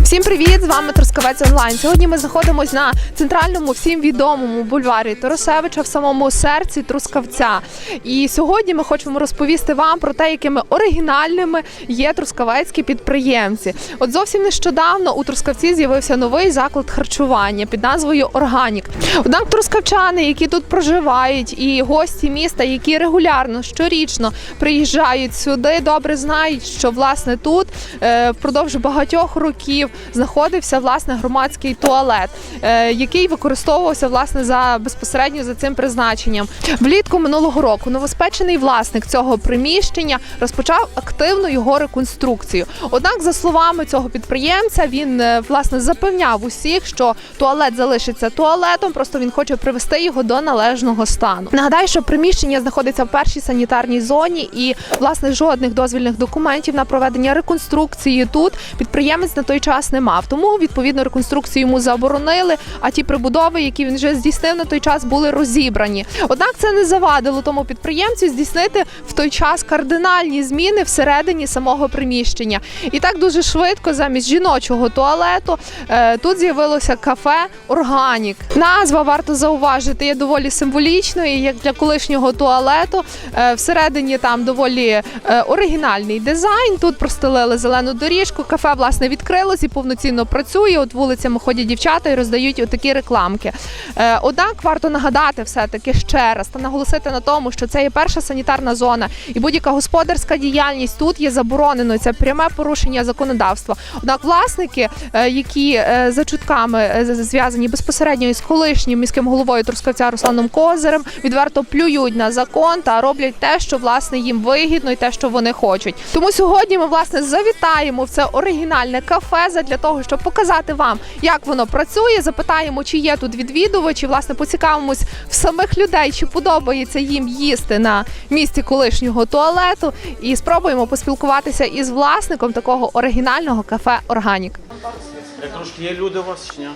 Всім привіт! З вами Трускавець Онлайн. Сьогодні ми знаходимося на центральному всім відомому бульварі Тарасевича в самому серці Трускавця. І сьогодні ми хочемо розповісти вам про те, якими оригінальними є трускавецькі підприємці. От зовсім нещодавно у Трускавці з'явився новий заклад харчування під назвою «Органік». Однак трускавчани, які тут проживають, і гості міста, які регулярно, щорічно приїжджають сюди, добре знають, що власне тут впродовж багатьох років знаходився власне громадський туалет, який використовувався власне безпосередньо за цим призначенням. Влітку минулого року новоспечений власник цього приміщення розпочав активну його реконструкцію. Однак, за словами цього підприємця, він власне запевняв усіх, що туалет залишиться туалетом, просто він хоче привести його до належного стану. Нагадаю, що приміщення знаходиться в першій санітарній зоні і власне жодних дозвільних документів на проведення реконструкції тут підприємець на той час не мав. Тому, відповідно, реконструкцію йому заборонили, а ті прибудови, які він вже здійснив на той час, були розібрані. Однак це не завадило тому підприємцю здійснити в той час кардинальні зміни всередині самого приміщення. І так дуже швидко замість жіночого туалету тут з'явилося кафе «Органік». Назва, варто зауважити, є доволі символічною, як для колишнього туалету. Всередині там доволі оригінальний дизайн. Тут простелили зелену доріжку, кафе, власне, відкрилось і повноцінно працює. От вулицями ходять дівчата і роздають отакі рекламки. Однак варто нагадати все-таки ще раз та наголосити на тому, що це є перша санітарна зона і будь-яка господарська діяльність тут є забороненою. Це пряме порушення законодавства. Однак власники, які за чутками зв'язані безпосередньо із колишнім міським головою Трускавця Русланом Козирем, відверто плюють на закон та роблять те, що власне їм вигідно і те, що вони хочуть. Тому сьогодні ми власне завітаємо в це оригінальне кафе для того, щоб показати вам, як воно працює, запитаємо, чи є тут відвідувачі, власне, поцікавимось в самих людей, чи подобається їм їсти на місці колишнього туалету, і спробуємо поспілкуватися із власником такого оригінального кафе «Органік». Як трошки є люди у вас чи ні?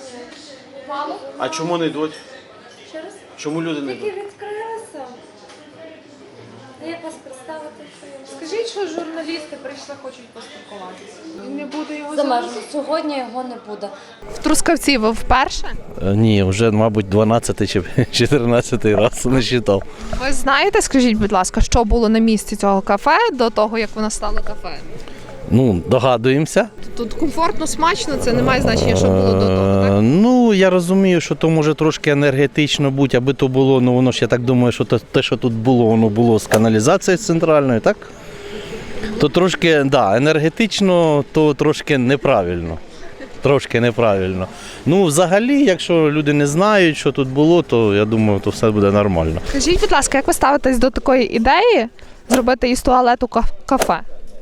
Мало. А чому не йдуть? Чому люди не йдуть? Тільки відкрилися. Як вас представити, що я Скажіть, що журналісти прийшли, хочуть поспілкуватися. Не буде його замежу. Сьогодні його не буде. В Трускавці ви вперше? Ні, вже, мабуть, 12 чи 14 раз не читав. Ви знаєте, скажіть, будь ласка, що було на місці цього кафе до того, як воно стало кафе? Ну, догадуємося. Тут комфортно, смачно, це не має значення, що було до того, так? Ну, я розумію, що то може трошки енергетично бути, аби то було, ну воно ж, я так думаю, що те, що тут було, воно було з каналізацією центральною, так? То трошки, да, енергетично, то трошки неправильно. Трошки неправильно. Ну, взагалі, якщо люди не знають, що тут було, то я думаю, то все буде нормально. Скажіть, будь ласка, як ви ставитесь до такої ідеї зробити із туалету кафе?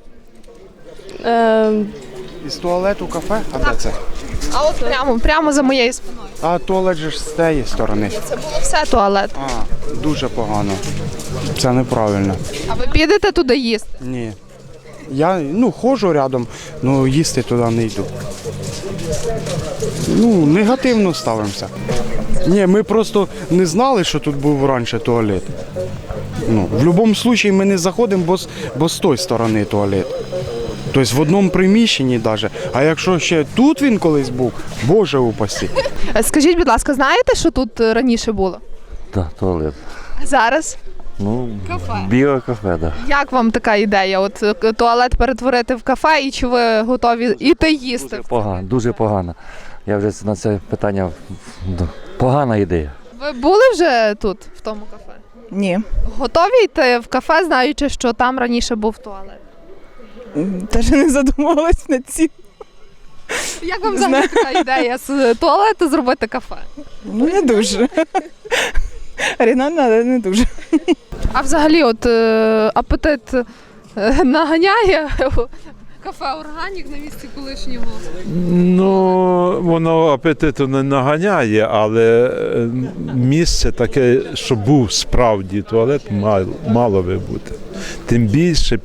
Із туалету кафе? А де це? А от прямо за моєю спиною. А туалет же ж з тієї сторони. Це було все туалет. А, дуже погано. Це неправильно. А ви підете туди їсти? Ні. Я, ходжу рядом, але їсти туди не йду. Негативно ставимося. Ні, ми просто не знали, що тут був раніше туалет. В будь-якому випадку ми не заходимо, бо з тої сторони туалет. Тобто в одному приміщенні навіть. А якщо ще тут він колись був, Боже упасі. Скажіть, будь ласка, знаєте, що тут раніше було? Так, туалет. А зараз? Кафе. Біле кафе, так. Як вам така ідея? От туалет перетворити в кафе, і чи ви готові іти їсти? Дуже погано. Я вже на це питання, погана ідея. Ви були вже тут, в тому кафе? Ні. Готові йти в кафе, знаючи, що там раніше був туалет? Теж не задумувалась над цим. Як вам взагалі така ідея з туалету зробити кафе? Не дуже. Оригінально, але не дуже. А взагалі от апетит наганяє кафе «Органік» на місці колишнього? Ну, воно апетиту не наганяє, але місце таке, що був справді туалет, мало би бути. Тим більше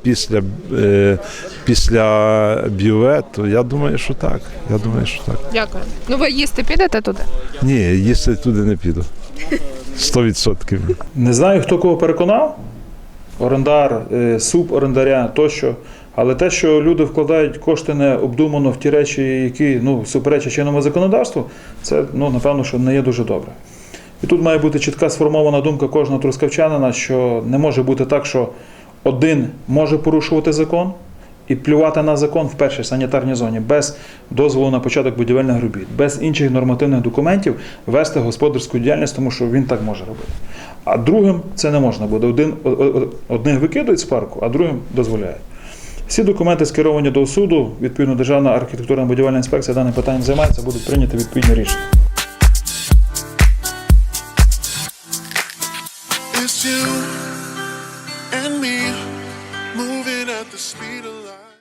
після бювету, я думаю, що так. Дякую. Ну ви їсти підете туди? Ні, їсти туди не піду. 100%. Не знаю, хто кого переконав. Орендар, суборендаря тощо Але те, що люди вкладають кошти необдумано в ті речі, які суперечать чинному законодавству, це напевно, що не є дуже добре. І тут має бути чітка сформована думка кожного трускавчанина, що не може бути так, що один може порушувати закон і плювати на закон в першій санітарній зоні, без дозволу на початок будівельних робіт, без інших нормативних документів вести господарську діяльність, тому що він так може робити. А другим це не можна буде. Одних викидують з парку, а другим дозволяють. Всі документи скеровані до суду, відповідно Державна архітектурна будівельна інспекція даним питанням займається, будуть прийняті відповідні рішення. It's you.